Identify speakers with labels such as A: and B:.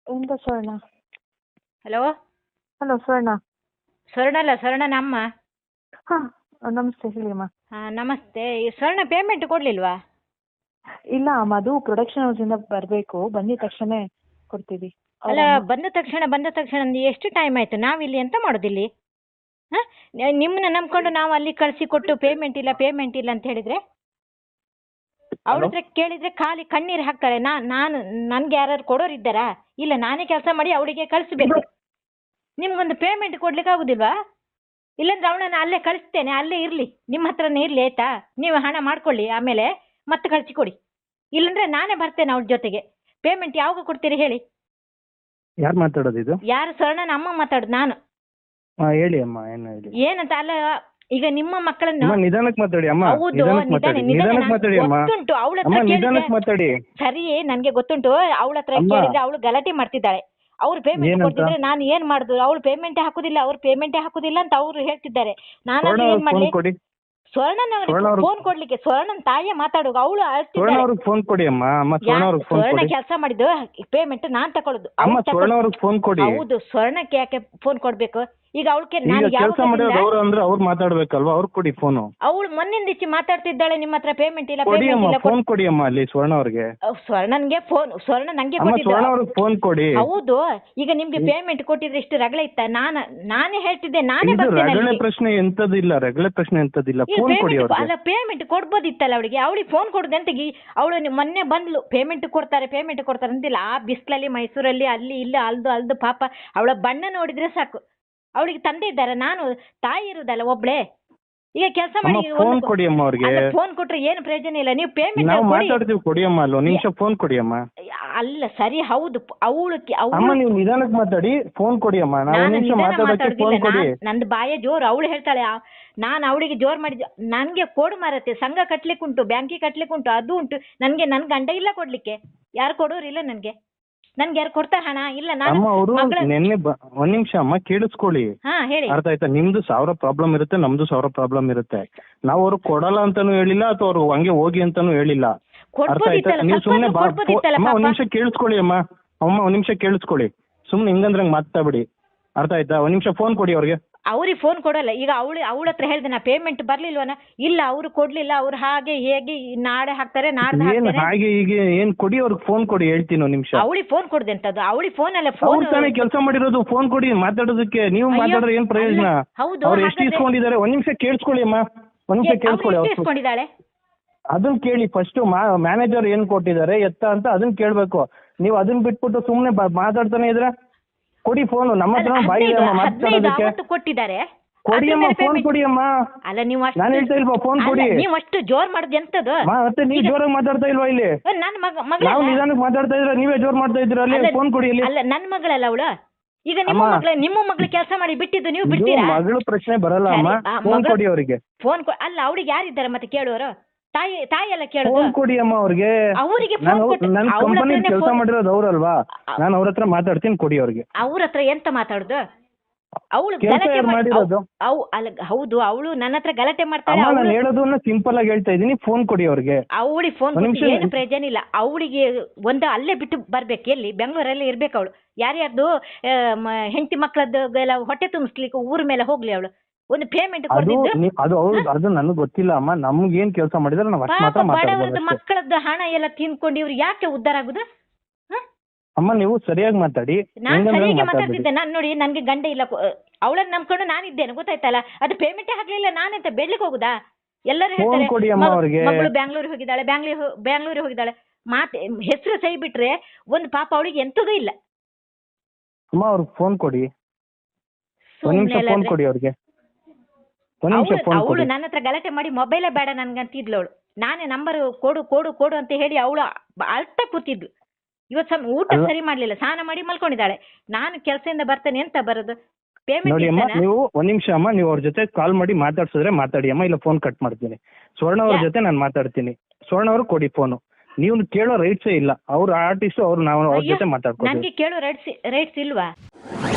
A: ಎಂತ ಸ್ವರ್ಣ?
B: Hello,
A: hello ಸ್ವರ್ಣ.
B: ಸ್ವರ್ಣ ಅಲ್ಲ, ಸ್ವರ್ಣನ ಅಮ್ಮ.
A: ಹಾ ನಮಸ್ತೆ, ಹೇಳಿ ಅಮ್ಮ.
B: ನಮಸ್ತೆ. ಈ ಸ್ವರ್ಣ ಪೇಮೆಂಟ್ ಕೊಡ್ಲಿಲ್ವಾ?
A: ಇಲ್ಲ ಅಮ್ಮ, ಅದು ಪ್ರೊಡಕ್ಷನ್ ಹೌಸಿಂದ ಬರಬೇಕು, ಬಂದಿದ ತಕ್ಷಣ ಕೊಡ್ತೀವಿ.
B: ಅಲ್ಲ, ಬಂದ ತಕ್ಷಣ ಅಂದು ಎಷ್ಟು ಟೈಮ್ ಆಯ್ತು? ನಾವಿಲ್ಲಿ ಎಂತ ಮಾಡೋದಿಲ್ಲಿ? ಹಾ, ನಿಮ್ಮನ್ನ ನಂಬ್ಕೊಂಡು ನಾವು ಅಲ್ಲಿ ಕಳಿಸಿ ಕೊಟ್ಟು ಪೇಮೆಂಟ್ ಇಲ್ಲ ಅಂತ ಹೇಳಿದ್ರೆ ಅವ್ರ ಹತ್ರ ಕೇಳಿದ್ರೆ ಖಾಲಿ ಕಣ್ಣೀರು ಹಾಕ್ತಾರೆ. ನನ್ಗೆ ಯಾರು ಕೊಡೋರು ಇದ್ದಾರಾ? ಇಲ್ಲ, ನಾನೇ ಕೆಲಸ ಮಾಡಿ ಅವಳಿಗೆ ಕಳಿಸ್ಬೇಕು. ನಿಮ್ಗೊಂದು ಪೇಮೆಂಟ್ ಕೊಡ್ಲಿಕ್ಕೆ ಆಗುದಿಲ್ವಾ? ಇಲ್ಲಾಂದ್ರೆ ಅವಳನ್ನ ಅಲ್ಲೇ ಕಳಿಸ್ತೇನೆ, ಅಲ್ಲೇ ಇರ್ಲಿ, ನಿಮ್ಮ ಹತ್ರನೇ ಇರ್ಲಿ, ಆಯ್ತಾ? ನೀವು ಹಣ ಮಾಡ್ಕೊಳ್ಳಿ, ಆಮೇಲೆ ಮತ್ತೆ ಕಳಿಸಿಕೊಡಿ. ಇಲ್ಲಾಂದ್ರೆ ನಾನೇ ಬರ್ತೇನೆ ಅವಳ ಜೊತೆಗೆ. ಪೇಮೆಂಟ್ ಯಾವಾಗ ಕೊಡ್ತೀರಿ ಹೇಳಿ?
C: ಯಾರು ಮಾತಾಡೋದು ಇದು?
B: ಯಾರು? ಸ್ವರ್ಣನ ಅಮ್ಮ ಮಾತಾಡೋದು ನಾನು.
C: ಹೇಳಿ ಅಮ್ಮ, ಏನು ಹೇಳಿ?
B: ಏನಂತ? ಅಲ್ಲ, ಈಗ ನಿಮ್ಮ ಮಕ್ಕಳನ್ನು
C: ನಿಧಾನಕ್ಕೆ ಮಾತಾಡಿ ಅಮ್ಮ.
B: ಹೌದು,
C: ನಿಧಾನಕ್ಕೆ ಮಾತಾಡಿ ಅಮ್ಮ.
B: ಗೊತ್ತುಂಟು ಅವಳ
C: ಅಮ್ಮ,
B: ಹತ್ರ
C: ನಿಧಾನಕ್ಕೆ ಮಾತಾಡಿ.
B: ಸರಿ, ನನ್ಗೆ ಗೊತ್ತುಂಟು. ಅವಳ ಹತ್ರ ಕೇಳಿದ್ರೆ ಅವಳು ಗಲಾಟೆ ಮಾಡ್ತಿದ್ದಾಳೆ. ಅವ್ರು ಪೇಮೆಂಟ್ ಕೊಡ್ತಿದ್ರೆ ನಾನು ಏನ್ ಮಾಡುದು? ಅವಳು ಪೇಮೆಂಟೇ ಹಾಕುದಿಲ್ಲ ಅಂತ ಅವ್ರು ಹೇಳ್ತಿದ್ದಾರೆ. ನಾನು ಏನ್ ಮಾಡ್ಲಿ? ಸ್ವರ್ಣನ ಫೋನ್ ಕೊಡ್ಲಿಕ್ಕೆ ಸ್ವರ್ಣನ್ ತಾಯಿಯೇ ಮಾತಾಡುವ. ಅವಳು
C: ಫೋನ್ ಕೊಡಿ ಅಮ್ಮ.
B: ಸ್ವರ್ಣ ಕೆಲಸ ಮಾಡಿದ್ದು ಪೇಮೆಂಟ್ ನಾನ್ ತಕೊಳ್ಳೋದು.
C: ಫೋನ್ ಕೊಡಿ.
B: ಹೌದು, ಸ್ವರ್ಣಕ್ಕೆ ಯಾಕೆ ಫೋನ್ ಕೊಡ್ಬೇಕು? ಈಗ ಅವಳಿಗೆ
C: ಕೆಲಸ ಮಾಡೋದು ಅವ್ರು ಅಂದ್ರೆ ಅವ್ರು ಮಾತಾಡ್ಬೇಕಲ್ವಾ? ಅವ್ರು ಕೊಡಿ ಫೋನು.
B: ಅವಳು ಮೊನ್ನಿಂದ ಇಚ್ಚಿ ಮಾತಾಡ್ತಿದ್ದಾಳೆ, ನಿಮ್ಮ ಹತ್ರ ಪೇಮೆಂಟ್ ಇಲ್ಲ.
C: ಫೋನ್ ಕೊಡಿ ಅಮ್ಮ ಅಲ್ಲಿ ಸ್ವರ್ಣ ಅವ್ರಿಗೆ.
B: ಸ್ವರ್ಣನ್ಗೆ ಫೋನ್, ಸ್ವರ್ಣ ನಂಗೆ
C: ಫೋನ್ ಕೊಡಿ.
B: ಹೌದು, ಈಗ ನಿಮ್ಗೆ ಪೇಮೆಂಟ್ ಕೊಟ್ಟಿದ್ರೆ ಇಷ್ಟು ರಗಳೆ ಇತ್ತ? ನಾನೇ ಹೇಳ್ತಿದ್ದೆ, ನಾನೇ
C: ರಗಳೆ ಪ್ರಶ್ನೆ ಎಂತದಿಲ್ಲ, ರಗಳೆ ಪ್ರಶ್ನೆ ಎಂತದಿಲ್ಲ. ಫೋನ್ ಕೊಡಿ ಅವ್ರಿಗೆ.
B: ಅಲ್ಲ, ಪೇಮೆಂಟ್ ಕೊಡ್ಬೋದಿತ್ತಲ್ಲ ಅವಳಿಗೆ ಫೋನ್ ಕೊಡುದು ಅಂತ. ಅವಳು ಮೊನ್ನೆ ಬಂದ್ಲು, ಪೇಮೆಂಟ್ ಕೊಡ್ತಾರೆ ಅಂತಿಲ್ಲ. ಆ ಬಿಸ್ಲಲ್ಲಿ ಮೈಸೂರಲ್ಲಿ ಅಲ್ಲಿ ಇಲ್ಲಿ ಅಲ್ದು ಪಾಪ ಅವಳ ಬಣ್ಣ ನೋಡಿದ್ರೆ ಸಾಕು. ಅವಳಿಗೆ ತಂದೆ ಇದ್ದಾರೆ, ನಾನು ತಾಯಿ ಇರುದಲ್ಲ ಒಬ್ಳೆ. ಈಗ ಕೆಲಸ ಮಾಡಿ
C: ಫೋನ್ ಕೊಡಿ ಅಮ್ಮ ಅವ್ರಿಗೆ.
B: ಫೋನ್ ಕೊಟ್ರೆ ಏನು ಪ್ರಯೋಜನ ಇಲ್ಲ. ನೀವು ಪೇಮೆಂಟ್
C: ಮಾತಾಡ್ತೀವಿ, ಕೊಡಿ ಅಮ್ಮ. ಅಲ್ಲ, ನಿಮಿಷ ಫೋನ್ ಕೊಡಿ ಅಮ್ಮ.
B: ಅಲ್ಲ, ಸರಿ, ಹೌದು.
C: ಅಮ್ಮ ನೀವು ನಿಧಾನಕ್ಕೆ ಮಾತಾಡಿ, ಫೋನ್ ಕೊಡಿ ಅಮ್ಮ.
B: ನಂದು ಬಾಯ ಜೋರು. ಅವಳು ಹೇಳ್ತಾಳೆ, ನಾನು ಅವಳಿಗೆ ಜೋರ್ ಮಾಡಿದ್ದೆ. ನನ್ಗೆ ಕೋಡು ಮಾರತ್ತೆ, ಸಂಘ ಕಟ್ಲಿಕ್ಕೆ ಉಂಟು, ಬ್ಯಾಂಕಿಗೆ ಕಟ್ಲಿಕ್ಕೆ ಉಂಟು, ಅದು ಉಂಟು. ನನ್ ಗಂಡ ಇಲ್ಲ ಕೊಡ್ಲಿಕ್ಕೆ. ಯಾರು ಕೊಡೋರಿಲ್ಲ ನನ್ಗೆ ಯಾರು ಕೊಡ್ತಾರೆ ಹಣ? ಇಲ್ಲ. ನಾನು
C: ನಿನ್ನೆ ಒಂದ್ ನಿಮಿಷ ಅಮ್ಮ, ಕೇಳಿಸ್ಕೊಳ್ಳಿ. ಅರ್ಥ ಆಯ್ತಾ? ನಿಮ್ದು 1000 ಪ್ರಾಬ್ಲಮ್ ಇರುತ್ತೆ, ನಮ್ದು 1000 ಪ್ರಾಬ್ಲಮ್ ಇರುತ್ತೆ. ನಾವು ಅವ್ರು ಕೊಡಲ್ಲ ಅಂತಾನು ಹೇಳಿಲ್ಲ, ಅಥವಾ ಅವ್ರು ಹಂಗೆ ಹೋಗಿ ಅಂತಾನು ಹೇಳಿಲ್ಲ. ಅರ್ಥ ಆಯ್ತಾ? ನೀವು ಸುಮ್ನೆ ಒಂದ್ ನಿಮಿಷ ಕೇಳಿಸ್ಕೊಳ್ಳಿ ಅಮ್ಮ. ಒಂದ್ ನಿಮಿಷ ಕೇಳಿಸ್ಕೊಳ್ಳಿ. ಸುಮ್ನೆ ಹಿಂಗಂದ್ರೆ ಮಾತಾಡ್ಬಿಡಿ. ಅರ್ಥ ಆಯ್ತಾ? ಒಂದ್ ನಿಮಿಷ ಫೋನ್ ಕೊಡಿ ಅವ್ರಿಗೆ.
B: ಅವ್ರಿಗೆ ಫೋನ್ ಕೊಡಲ್ಲ. ಈಗ ಅವಳ ಹತ್ರ ಹೇಳ್ದೆ, ನಾ ಪೇಮೆಂಟ್ ಬರ್ಲಿಲ್ವನ? ಇಲ್ಲ, ಅವ್ರು ಕೊಡ್ಲಿಲ್ಲ. ಅವ್ರು ಹಾಗೆ ಹೇಗೆ ನಾಳೆ ಹಾಕ್ತಾರೆ, ನಾಡ್ದು
C: ಹಾಗೆ ಈಗ ಏನ್ ಕೊಡಿ ಅವ್ರಿಗೆ ಫೋನ್ ಕೊಡಿ, ಹೇಳ್ತೀನಿ ಒಂದ್ ನಿಮಿಷ.
B: ಅವಳಿಗೆ ಫೋನ್ ಕೊಡ್ದೆ ಅಂತದ್ದು? ಅವಳಿಗೆ ಫೋನ್ ಅಲ್ಲ, ಫೋನ್
C: ತಾನೇ ಕೆಲಸ ಮಾಡಿರೋದು. ಫೋನ್ ಕೊಡಿ ಮಾತಾಡೋದಕ್ಕೆ. ನೀವು ಮಾತಾಡಿದ್ರೆ ಏನ್ ಪ್ರಯೋಜನ? ಅವ್ರು ಎಷ್ಟು ಇಸ್ಕೊಂಡಿದ್ದಾರೆ? ಒಂದ್ ನಿಮಿಷ ಕೇಳಿಸ್ಕೊಳ್ಳಿ ಅಮ್ಮ, ಒಂದ್ ನಿಮಿಷ ಕೇಳಿಸ್ಕೊಳ್ಳಿ.
B: ಇಸ್ಕೊಂಡಿದ್ದಾಳೆ
C: ಅದನ್ನ ಕೇಳಿ ಫಸ್ಟ್. ಮ್ಯಾನೇಜರ್ ಏನ್ ಕೊಟ್ಟಿದ್ದಾರೆ ಎತ್ತ ಅಂತ ಅದನ್ನ ಕೇಳ್ಬೇಕು. ನೀವು ಅದನ್ನ ಬಿಟ್ಬಿಟ್ಟು ಸುಮ್ನೆ ಮಾತಾಡ್ತಾನೆ ಇದ್ರೆ ಕೊಡಿ ಫೋನ್. ನಮ್ಮ ಹತ್ರ ಬಾಯಿ ಮಾತಾಡೋದಕ್ಕೆ
B: ಕೊಟ್ಟಿದ್ದಾರೆ.
C: ಕೊಡಿ ಅಮ್ಮ, ಫೋನ್ ಕೊಡಿ ಅಮ್ಮ.
B: ಅಲ್ಲ, ನೀವು
C: ನಾನು ಹೇಳ್ತಾ ಇಲ್ವಾ? ಫೋನ್ ಕೊಡಿ.
B: ನೀವು ಅಷ್ಟು ಜೋರ್ ಮಾಡುದು ಎಂತದ್ದು?
C: ಮತ್ತೆ ನೀವು ಜೋರಾಗಿ ಮಾತಾಡ್ತಾ ಇಲ್ವಾ ಇಲ್ಲಿ? ನಾವು ನಿಧಾನಕ್ಕೆ ಮಾತಾಡ್ತಾ ಇದ್ರೆ ನೀವೇ ಜೋರ್ ಮಾಡ್ತಾ ಇದ್ರ. ಅಲ್ಲಿ ಫೋನ್ ಕೊಡಿ.
B: ಅಲ್ಲ, ನನ್ನ ಮಗಳಲ್ಲ ಅವಳು. ಈಗ ನಿಮ್ಮ ಮಗಳು ಕೆಲಸ ಮಾಡಿ ಬಿಟ್ಟಿದ್ದು ನೀವು ಬಿಡ್ತೀರಾ?
C: ಮಗಳು ಪ್ರಶ್ನೆ ಬರಲ್ಲ ಅಮ್ಮ. ಫೋನ್ ಕೊಡಿ ಅವರಿಗೆ.
B: ಫೋನ್ ಅಲ್ಲ, ಅವ್ರಿಗೆ ಯಾರಿದ್ದಾರೆ ಮತ್ತೆ ಕೇಳುವರು? ತಾಯಿ ಎಲ್ಲ ಕೇಳೋದು.
C: ಫೋನ್ ಕೊಡಿ ಅಮ್ಮ ಅವ್ರಿಗೆ. ನನ್ನ ಕಂಪನಿ ಕೆಲಸ ಮಾಡಿರೋದು ಅವ್ರಲ್ವಾ? ನಾನು ಅವ್ರ ಹತ್ರ ಮಾತಾಡ್ತೀನಿ, ಕೊಡಿ ಅವ್ರಿಗೆ.
B: ಅವ್ರ ಹತ್ರ ಎಂತ ಮಾತಾಡುದು? ಅವಳು ಹೌದು, ಅವಳು ನನ್ನ ಹತ್ರ ಗಲಾಟೆ ಮಾಡ್ತಾಳೆ.
C: ನಾನು ಹೇಳೋದನ್ನ ಸಿಂಪಲ್ ಆಗಿ ಹೇಳ್ತಾ ಇದೀನಿ, ಫೋನ್ ಕೊಡಿ ಅವ್ರಿಗೆ.
B: ಅವಳಿಗೆ ಫೋನ್ ಏನು ಪ್ರಯೋಜನ ಇಲ್ಲ. ಅವಳಿಗೆ ಅಲ್ಲೇ ಬಿಟ್ಟು ಬರ್ಬೇಕು. ಎಲ್ಲಿ? ಬೆಂಗಳೂರಲ್ಲಿ ಇರ್ಬೇಕು ಅವಳು. ಯಾರ್ಯಾರ್ದು ಹೆಂಡತಿ ಮಕ್ಕಳದ್ದು ಎಲ್ಲ ಹೊಟ್ಟೆ ತುಂಬಿಸ್ಲಿಕ್ಕೆ ಊರ ಮೇಲೆ ಹೋಗ್ಲಿ ಅವಳು. ಒಂದು ಪೇಮೆಂಟ್
C: ಅದು ನನಗೆ ಗೊತ್ತಿಲ್ಲ ಅಮ್ಮ. ನಮ್ಗೆ ಏನ್ ಕೆಲಸ ಮಾಡಿದ್ರೆ ನಾವು ಅಷ್ಟು ಮಾತ್ರ ಮಾತಾಡೋದು.
B: ಮಕ್ಕಳದ್ದು ಹಣ ಎಲ್ಲ ತಿನ್ಕೊಂಡು ಇವ್ರು ಯಾಕೆ ಉದ್ಧಾರ ಆಗುದು?
C: ಅಮ್ಮ ನೀವು ಸರಿಯಾಗಿ ಮಾತಾಡಿ.
B: ನಾನು ಸರಿಯಾಗಿ ಮಾತಾಡ್ತಿದ್ದೆ. ನಾನು ನೋಡಿ, ನನ್ಗೆ ಗಂಡ ಇಲ್ಲ, ಅವಳನ್ನ ನಂಬ್ಕೊಂಡು ನಾನಿದ್ದೇನೆ, ಗೊತ್ತಾಯ್ತಲ್ಲ? ಅದು ಪೇಮೆಂಟೇ ಹಾಕ್ಲಿಲ್ಲ, ನಾನೆಂತ ಬೆಳ್ಳಿಗೆ ಹೋಗುದಾ? ಎಲ್ಲರೂ ಹೇಳ್ತಾರೆ ಮಗಳು ಬ್ಯಾಂಗ್ಳೂರಿಗೆ ಹೋಗಿದ್ದಾಳೆ. ಮಾತೆ ಹೆಸರು ಸೈ ಬಿಟ್ರೆ ಒಂದು ಪಾಪ ಅವಳಿಗೆ ಎಂತದೂ ಇಲ್ಲ.
C: ಅಮ್ಮ ಅವ್ರಿಗೆ ಫೋನ್ ಕೊಡಿ. ಫೋನ್ ಕೊಡಿ ಅವ್ರಿಗೆ.
B: ಅವಳು ನನ್ನ ಹತ್ರ ಗಲಾಟೆ ಮಾಡಿ ಮೊಬೈಲೇ ಬೇಡ ನನ್ಗಂತಿದ್ಲು ಅವಳು. ನಾನೇ ನಂಬರ್ ಕೊಡು ಅಂತ ಹೇಳಿ ಅವಳು ಅಳ್ತಾ ಕೂತಿದ್ಲು. ಇವತ್ತು ಊಟ ಸರಿ ಮಾಡ್ಲಿಲ್ಲ, ಸ್ನಾನ ಮಾಡಿ ಮಲ್ಕೊಂಡಿದ್ದಾಳೆ. ನಾನು ಕೆಲಸದಿಂದ ಬರ್ತೇನೆ ಅಂತ ಬರೋದು?
C: ನೋಡಿ ಅಮ್ಮ, ನೀವು ಒಂದ್ ನಿಮಿಷ ಅಮ್ಮ, ನೀವು ಅವ್ರ ಜೊತೆ ಕಾಲ್ ಮಾಡಿ ಮಾತಾಡ್ಸಿದ್ರೆ ಮಾತಾಡಿ ಅಮ್ಮ, ಇಲ್ಲ ಫೋನ್ ಕಟ್ ಮಾಡ್ತೀನಿ. ಸ್ವರ್ಣ ಅವ್ರ ಜೊತೆ ನಾನು ಮಾತಾಡ್ತೀನಿ. ಸ್ವರ್ಣ ಅವ್ರು ಕೊಡಿ ಫೋನು. ನೀವು ಕೇಳೋ ರೈಟ್ಸೇ ಇಲ್ಲ. ಅವ್ರ ಆರ್ಟಿಸ್ಟ್, ಅವ್ರು ನಾವು ಅವ್ರ ಜೊತೆ ಮಾತಾಡ್ಕೊಂಡು.
B: ನನಗೆ ಕೇಳೋ ರೈಟ್ಸ್ ಇಲ್ವಾ?